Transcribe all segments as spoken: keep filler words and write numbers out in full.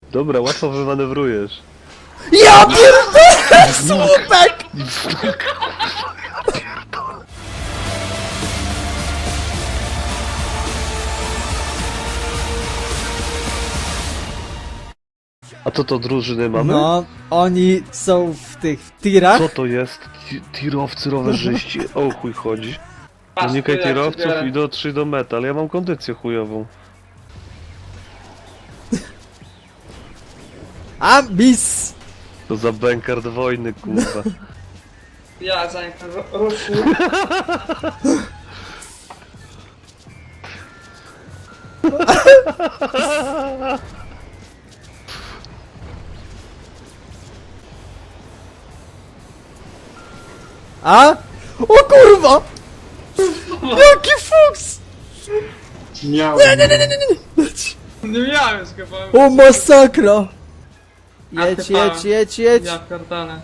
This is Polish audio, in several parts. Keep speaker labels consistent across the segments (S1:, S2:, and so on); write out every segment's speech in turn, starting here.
S1: Dobra, łatwo wymanewrujesz.
S2: Ja pierdolę! Słupek!
S1: A co to drużyny mamy?
S2: No, oni są w tych w tirach.
S1: Co to jest? Ti- Tirowcy, rowerzyści. O chuj chodzi.
S3: Patrz,
S1: Unikaj
S3: jak się
S1: tirowców
S3: biorę.
S1: i dotrzyj do mety, ale ja mam kondycję chujową.
S2: Ambis!
S1: To za bękard wojny, kurwa.
S3: Ja zanim ten ru- ruszył.
S2: A? O kurwa! Jaki fuks!
S4: Miałem.
S2: Nie, nie, nie, nie, nie, nie.
S3: Nie miałem chyba.
S2: O masakra!
S3: A
S2: Jedź,
S3: ty
S2: jedź, jedź, jedź!
S3: Ja pierdolę.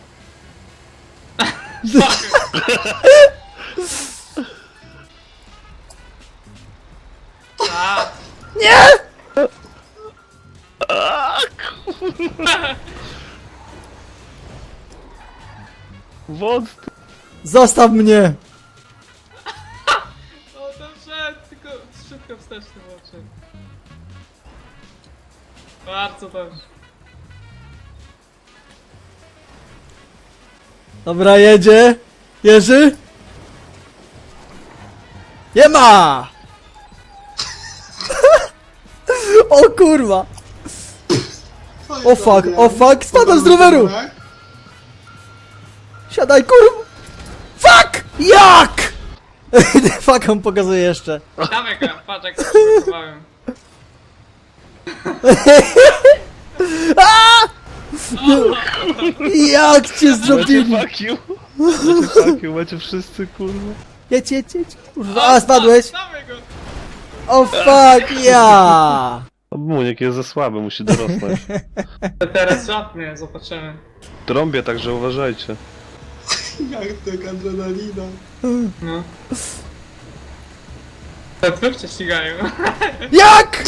S3: A,
S2: Nie!
S1: Wąt!
S2: Zostaw mnie!
S3: no dobrze, tylko szybko wsteczny oczy. Bardzo dobrze.
S2: Dobra, jedzie! Jerzy! Nie ma! O kurwa! O fuck, o fuck, spadam z roweru! Siadaj, kurwa! Fuck! Jak? Fuck, on pokazuje jeszcze.
S3: Dawaj go, patrz jak to przygotowałem.
S2: Jak cię
S1: Macie
S2: zrobili?
S1: fuck you! Macie fuck you, macie wszyscy, kurwa.
S2: Jedź, jedź, jedź. Kurwa, a spadłeś?
S3: Dawaj go!
S2: O fuck, ja!
S1: Muniek jest za słaby, musi dorosnąć.
S3: To teraz żadnie, zobaczymy.
S1: Trąbię, także uważajcie.
S4: Jak tak adrenalina.
S3: No. Te dwóch cię ścigają.
S2: Jak?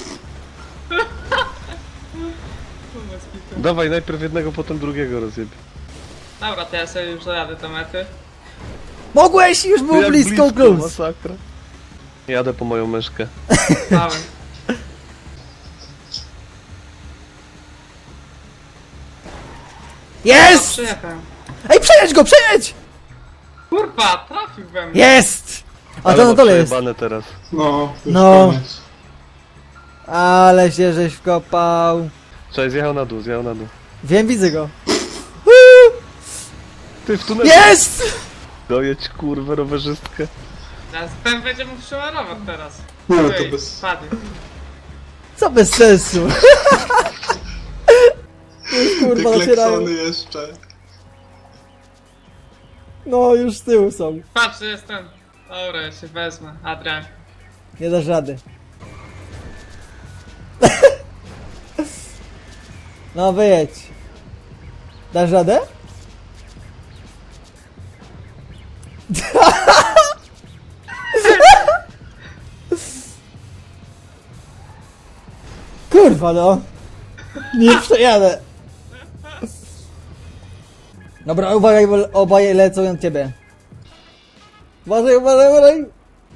S1: Dawaj, najpierw jednego, potem drugiego rozjebie.
S3: Dobra, to ja sobie już dojadę do mety.
S2: Mogłeś, już było
S1: Jak
S2: blisko, close.
S1: masakra. Jadę po moją myszkę.
S3: Dawaj.
S2: Jest!
S3: Przyjechałem.
S2: Ej, przejedź go, przejedź!
S3: Kurwa, trafił we mnie.
S2: Jest! A
S1: Ale
S2: to na
S1: ma
S2: dole jest.
S1: przejebane teraz.
S4: No, już
S2: No.
S4: koniec.
S2: Ale się żeś wkopał.
S1: Cześć, zjechał na dół, zjechał na dół.
S2: Wiem, widzę go.
S1: Ty w tunelu!
S2: Jest!
S1: Dojedź, kurwę, rowerzystkę.
S3: Teraz ten będzie mógł przełarować teraz.
S4: Nie, no to
S3: Ej,
S4: bez...
S3: Padł.
S2: Co bez sensu. Już kurwa
S4: Te
S2: nacierają.
S4: kleksony jeszcze.
S2: No, już z tyłu są.
S3: Patrz, że jest ten. Dobra, ja się wezmę. Adrian.
S2: Nie dasz rady. No, wyjedź. Dasz radę? Kurwa no. Nie przejadę. Dobra, uważaj, bo obaj lecą na ciebie. Uważaj, uważaj, uważaj.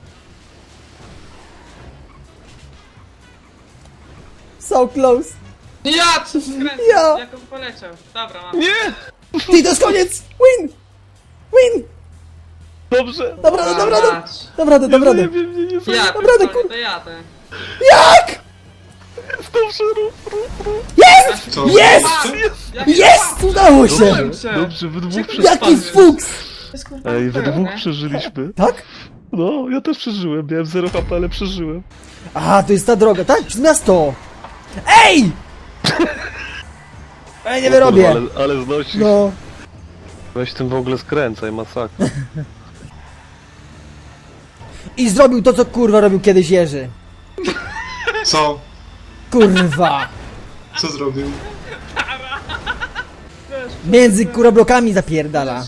S2: So close.
S3: Ja, czy skręcę?
S2: Ja.
S3: Jak on poleciał. Dobra, mam.
S1: Nie!
S2: Ty, to jest koniec! Win! Win!
S1: Dobrze!
S2: Dobra, dobra, dobra.
S3: mać.
S2: Dobra, dobra, dobra.
S1: Nie wiem, nie, nie, nie,
S3: Ja,
S2: Dobra,
S3: pierdolę,
S2: kur-
S3: to jadę.
S2: Jak?
S1: dobrze, rób, rób, rób.
S2: Jest!
S4: Co?
S2: Jest!
S3: Jak
S2: Jest! Udało się!
S1: Dobrze, dobrze, wy dwóch
S3: Jaki
S2: Jaki
S1: przeżyliśmy.
S2: fuks!
S3: jest kurwa
S1: Ej, we
S3: pełne.
S1: dwóch przeżyliśmy.
S2: Tak?
S1: No, ja też przeżyłem, miałem zero H P, ale przeżyłem.
S2: A, to jest ta droga, tak? Przez miasto! Ej! Ej, nie
S1: O
S2: wyrobię!
S1: kurwa, ale, ale znosisz.
S2: No.
S1: Weź tym w ogóle skręcaj, masakra.
S2: I zrobił to, co kurwa robił kiedyś Jerzy.
S4: Co?
S2: Kurwa!
S4: Co zrobił?
S2: Między kuroblokami zapierdala.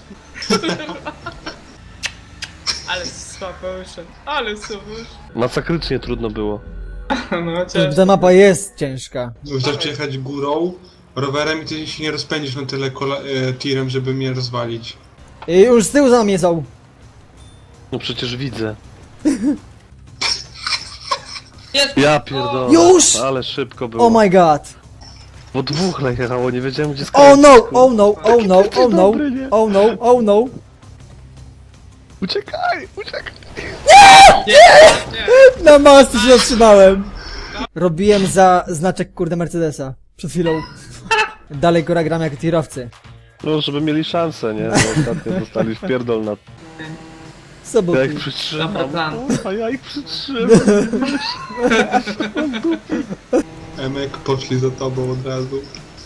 S3: Ale słabo wyszedł. Ale słabo wyszedł.
S1: Masakrycznie trudno było.
S3: No cię.
S2: Ta mapa jest ciężka.
S4: Wystarczy przejechać górą, rowerem i ty się nie rozpędzisz na tyle kola- e, tirem, żeby mnie rozwalić.
S2: I już z tyłu za mnie są.
S1: No przecież widzę.
S3: Jest!
S1: Ja pierdolę.
S2: Już!
S1: Ale szybko było.
S2: Oh my god.
S1: Bo dwóch najechało, nie wiedziałem gdzie
S2: Oh
S1: skręcić.
S2: no,
S1: kurwa.
S2: oh no, oh no,
S1: Jaki ty
S2: oh no,
S1: dobry, nie?
S2: oh no, oh no.
S1: Uciekaj, uciekaj.
S3: Nie, nie.
S2: Na masce się zatrzymałem. Robiłem za znaczek kurde Mercedesa. Przed chwilą. Dalej góra gram jak tirowcy.
S1: No, żeby mieli szansę, nie? Bo ostatnio dostali w pierdol na...
S2: Soboty.
S1: Ja ich przytrzymam.
S3: Dobry plan.
S1: A ja ich przytrzymam.
S4: Emek poszli za tobą od razu.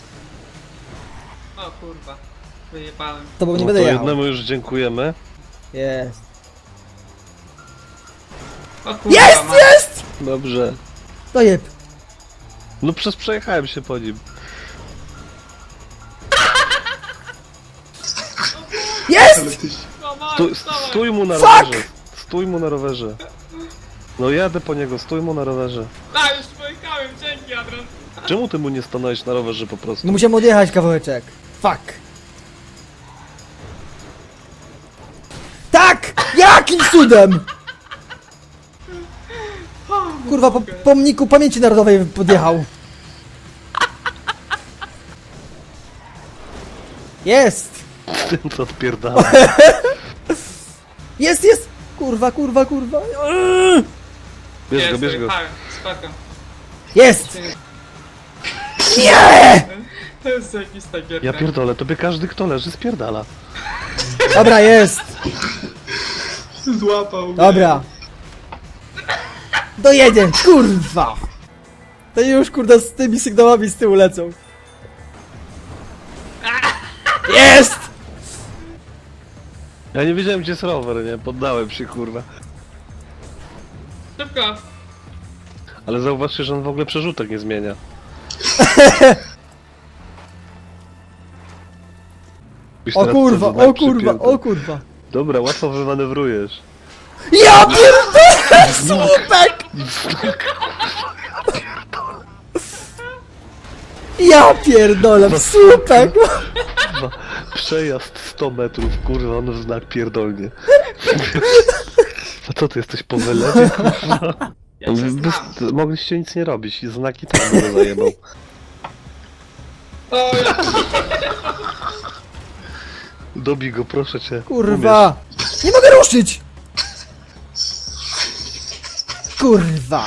S3: O kurwa. Wyjebałem.
S2: To bo nie
S1: No
S2: będę
S1: to
S2: jechał.
S1: jednemu już dziękujemy.
S2: Jest.
S3: O kurwa.
S2: Jest,
S3: ma-
S2: jest!
S1: Dobrze.
S2: Dojeb.
S1: No przez przejechałem się po nim.
S2: Jest!
S4: Ale ty...
S3: Dawaj,
S1: Stój,
S3: dawaj.
S1: stój mu na
S2: Fuck!
S1: rowerze. Stój mu na rowerze. No jadę po niego, stój mu na rowerze.
S3: A, już pojechałem, dzięki Adrian.
S1: Czemu ty mu nie stanąłeś na rowerze po prostu?
S2: No musiałem odjechać kawałeczek. Fuck. Tak! Jakim cudem? Kurwa, po pomniku pamięci narodowej podjechał. Jest!
S1: Tym co odpierdala.
S2: Jest, jest! Kurwa, kurwa, kurwa. Eee!
S1: Bierz
S3: Jest,
S1: go, bierz go.
S3: wyjechałem. Spoko.
S2: Jest! Nie!
S3: To jest jakiś tak
S1: Ja pierdolę, tobie każdy kto leży spierdala.
S2: Dobra, jest!
S4: Złapał mnie.
S2: Dobra. Dojedzie, kurwa! To już kurda z tymi sygnałami z tyłu lecą. Jest!
S1: Ja nie wiedziałem gdzie jest rower, nie? Poddałem się kurwa.
S3: Szybko.
S1: Ale zauważcie, że on w ogóle przerzutek nie zmienia. Byś
S2: O
S1: teraz
S2: kurwa,
S1: to znak
S2: o kurwa,
S1: przypięty.
S2: o kurwa.
S1: Dobra, łatwo wymanewrujesz.
S2: Ja pierdolę! Słupek! Ja pierdolę, w słupek!
S1: Kurwa, przejazd sto metrów, kurwa, on w znak pierdolnie. A co ty jesteś po wylewie, kurwa?
S3: Ja cię
S1: Wy-
S3: znam.
S1: Mogliście nic nie robić i znaki tam by zajebał.
S3: O, ja...
S1: Dobij go, proszę cię.
S2: Kurwa! Nie mogę ruszyć! Kurwa!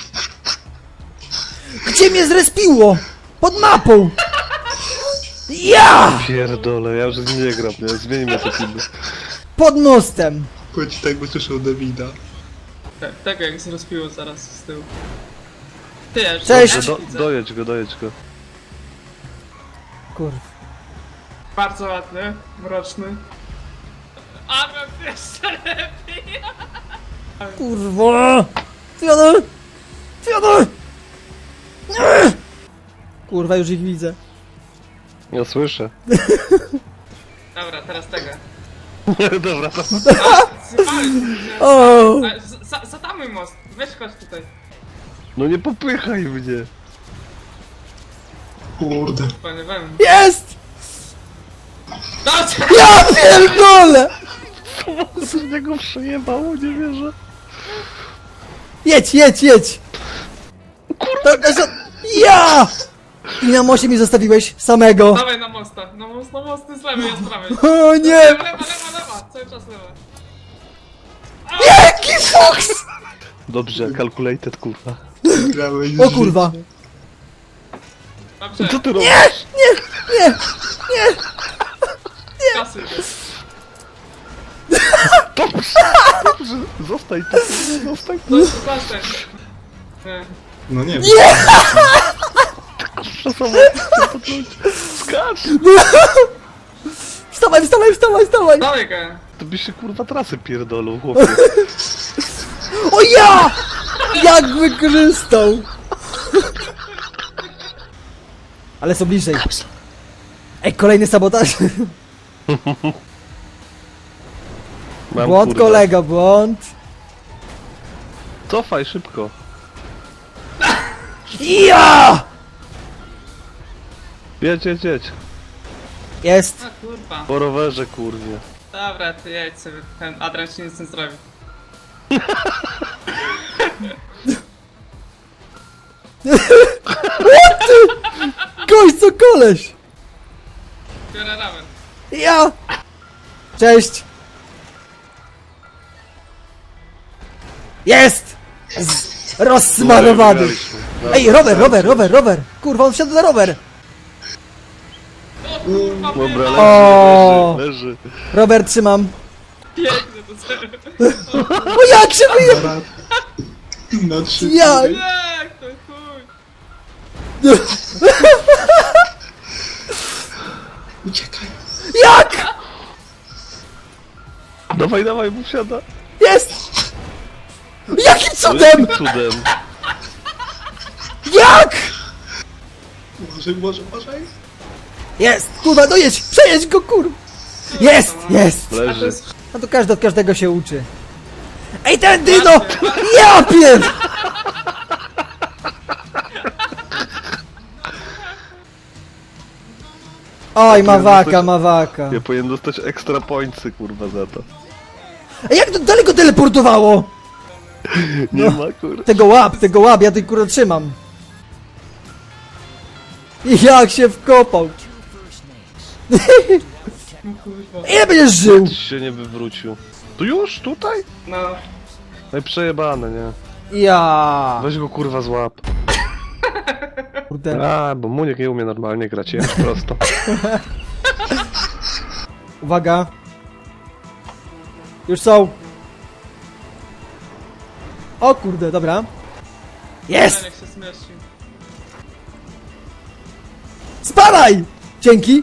S2: Gdzie mnie zrespiło? Pod mapą! Ja!
S1: Umiesz. Pierdolę, ja już z nim nie gram, nie? Zmieńmy to filmy.
S2: Pod mostem!
S4: Chodź tak, bo słyszał Davida.
S3: Te- Tego jak zrozpiło zaraz z tyłu. Ty, ja już
S2: Cześć.
S3: ja
S1: Do,
S3: widzę.
S1: dojedź go, dojedź go.
S2: Kurwa.
S3: Bardzo ładny, mroczny. Adrian, ty jeszcze lepiej.
S2: Kurwa! Fiodor! Fiodor! Nie! Kurwa, już ich widzę.
S1: Ja słyszę.
S3: Dobra, teraz tego.
S1: Dobra, to...
S3: Zjebałem.
S2: O!
S3: A, z- za- Zatamuj most. Weź chodź tutaj.
S1: No nie popychaj mnie.
S4: Kurde.
S3: Panie wem.
S2: Jest!
S3: Dobrze!
S2: Ja pierdolę!
S1: Co z niego przejebało, nie wierzę.
S2: Jedź, jedź, jedź! Kurwa! Ja! I na moście mi zostawiłeś samego.
S3: Dawaj na mosta. Na most, na most, ty z lewej, ja z prawej.
S2: O nie!
S3: Lewa, lewa, lewa, lewa. Cały czas lewa.
S2: Jaki fuks!
S1: Dobrze, calculated, kurwa.
S4: Grałeś
S2: O kurwa!
S3: Dobrze,
S1: Co ty robisz?
S2: Nie! Nie!
S3: kasy idzie.
S1: Dobrze, dobrze. Zostań tu, zostań tu.
S3: To jest zastań. Nie.
S4: No nie wiem.
S1: Skacz!
S2: Wstawaj, wstawaj, wstawaj, wstawaj!
S3: Dawaj go.
S1: To byś się kurwa trasy pierdolą, chłopie.
S2: O ja! Jak wykorzystał! Ale są bliżej. Ej, kolejny sabotaż.
S1: Mam,
S2: Błąd
S1: kurwa.
S2: kolega, błąd.
S1: Cofaj szybko.
S2: Ja!
S1: Jedź, jedź, jedź.
S2: Jest.
S3: A kurwa.
S1: Po rowerze, kurwie.
S3: Dobra, ty jedź sobie, ten Adrian ci nic nie zrobi.
S2: Gość, co koleś!
S3: Biorę ramen.
S2: Ja! Cześć! Jest! Z... Rozsmarowany!
S1: Wygraliśmy. Dobra,
S2: Ej, rower,
S1: sam
S2: rower,
S1: się-
S2: rower, rower! Kurwa, on wsiadł na rower!
S3: O kurwa,
S1: Dobra,
S3: wyjebałem.
S1: leży,
S2: O!
S1: leży, leży.
S2: Rower, trzymam.
S3: Piękny to zero.
S2: O jak się wyje...
S4: Na trzy.
S2: Ja-
S4: tury.
S3: Jak to chuj.
S4: Uciekaj.
S2: Jak?
S1: Dawaj, dawaj, mu wsiada.
S2: Jest! Jakim
S1: No,
S2: cudem?
S1: jakim cudem?
S2: Jak?
S4: Może, może, może.
S2: Jest! Kurwa, no jedź! Przejedź go, kur... Jest! Jest!
S3: A to
S1: Leży.
S3: jest...
S2: No to każdy od każdego się uczy. Ej, ten dyno! Ja pier... Oj, mawaka, mawaka.
S1: Ja powinien dostać extra pointsy, kurwa, za to.
S2: Ej, jak to daleko teleportowało?
S1: Nie ma, kurwa.
S2: Tego łap, tego łap, ja tej kurwa trzymam. I jak się wkopał.
S3: No kurwa.
S2: Ile będziesz żył?
S1: Tyś się nie wywrócił. Tu już? Tutaj?
S3: No.
S1: No i przejebane, nie?
S2: Ja.
S1: Weź go, kurwa, złap.
S2: Kurde.
S1: A, bo Muniek nie umie normalnie grać, jedź prosto.
S2: Uwaga. Już są. O kurde, dobra. Jest!
S3: Ten jak się zmieścił.
S2: Spadaj! Dzięki.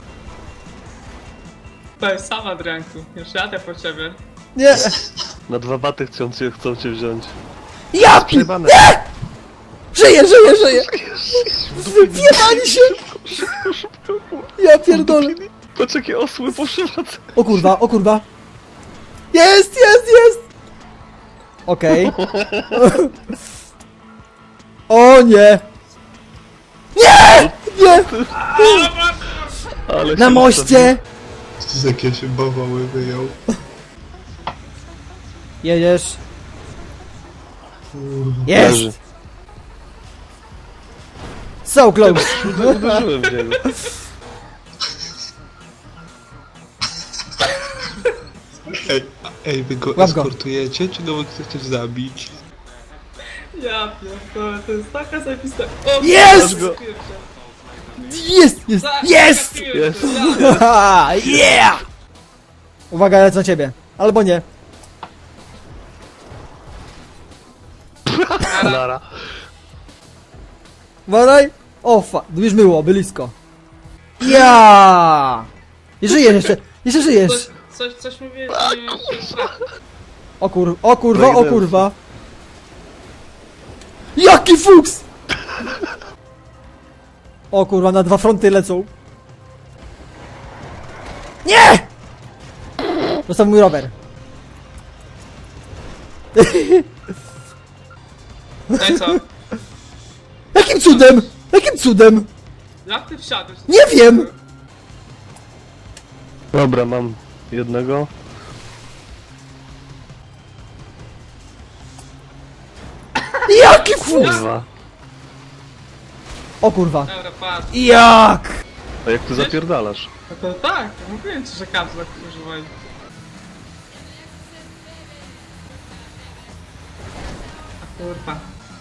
S3: To jest sam Adrianku. Już jadę po ciebie.
S2: Nie.
S1: Na dwa baty chcą cię, chcą cię wziąć.
S2: Ja pi...
S1: Przejebane.
S2: Żyję, żyję, żyję. Wyjebali się. Ja pierdolę.
S1: Patrz, jakie osły poszywacę.
S2: O kurwa, o kurwa. Jest, jest, jest. Okej. O nie. Nie! Nie!
S1: Ale
S2: Na
S1: się
S2: moście!
S4: Z jakie się bawały wyjął.
S2: Jedziesz.
S1: Leży.
S2: Jest! So close.
S1: Uderzyłem w niego.
S4: Ej, a- ej, wy go
S2: Łap go.
S4: eskortujecie, czy go wy chcecie zabić?
S3: Ja pierdolę, to jest taka zajebista... O,
S2: Jest!
S3: kurwa,
S2: Jest, jest,
S3: za-
S2: jest!
S1: Jest.
S3: Ja.
S2: Haha, yeah! Uwaga, lecę na ciebie. Albo nie.
S1: Lara.
S2: Uważaj. O fa... Już było, blisko. Ja! I żyjesz jeszcze. Jeszcze żyjesz.
S3: Coś, coś, coś mówię, że nie wiem,
S2: O kur... O kurwa, o
S1: Breakdance.
S2: kurwa. Jaki fuks! O kurwa, na dwa fronty lecą. Nie! Zostaw mój rower.
S3: No i co?
S2: Jakim cudem? Jakim cudem?
S3: Jak ty wsiadłeś?
S2: Nie wiem!
S1: Dobra, mam jednego.
S2: Jaki fuks!
S1: Dwa.
S2: O kurwa.
S3: Dobra, patrz.
S2: Jak?
S1: A jak ty zapierdalasz?
S3: No to tak, mówiłem ci, że kapsle używaj. A kurwa.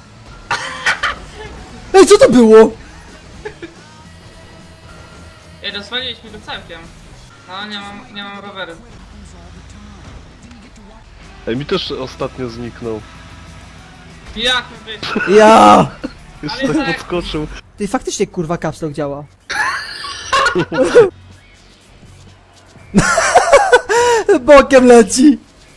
S2: Ej, co to było?
S3: Ej, rozwaliliśmy go całkiem. No, nie mam, nie mam roweru.
S1: Ej, mi też ostatnio zniknął.
S3: Jak my być?
S2: Ja!
S1: Jeszcze
S3: Ale
S1: tak
S3: tak.
S1: podskoczył.
S2: Ty faktycznie kurwa kapslok działa. Bokiem leci.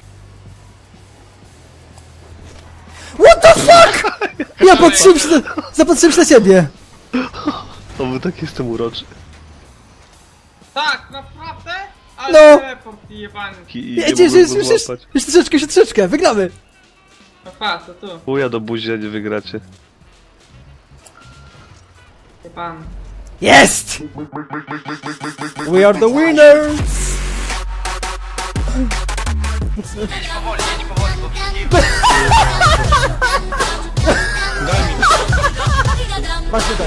S2: What the fuck? Ja patrzyłem się na, zapatrzyłem się na ciebie.
S1: O, wy tak jestem uroczy.
S3: Tak, naprawdę? Ale
S2: No.
S3: teleport jebany.
S1: I, i
S2: Nie,
S1: nie
S2: Jeszcze,
S1: mogłem
S2: jeszcze,
S1: go
S2: jeszcze,
S1: złapać.
S2: jeszcze troszeczkę, jeszcze troszeczkę, wygramy.
S3: No patrz, to tu.
S1: Chuja do buzi, a nie wygracie.
S3: pan.
S2: Jest! We are the winners!
S4: Daj mi.
S2: Patrz tutaj.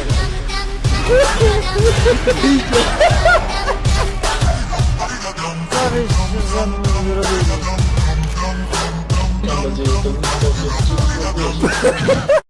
S2: Co wyście ze mną zrobili?
S5: Mam nadzieję, że to nie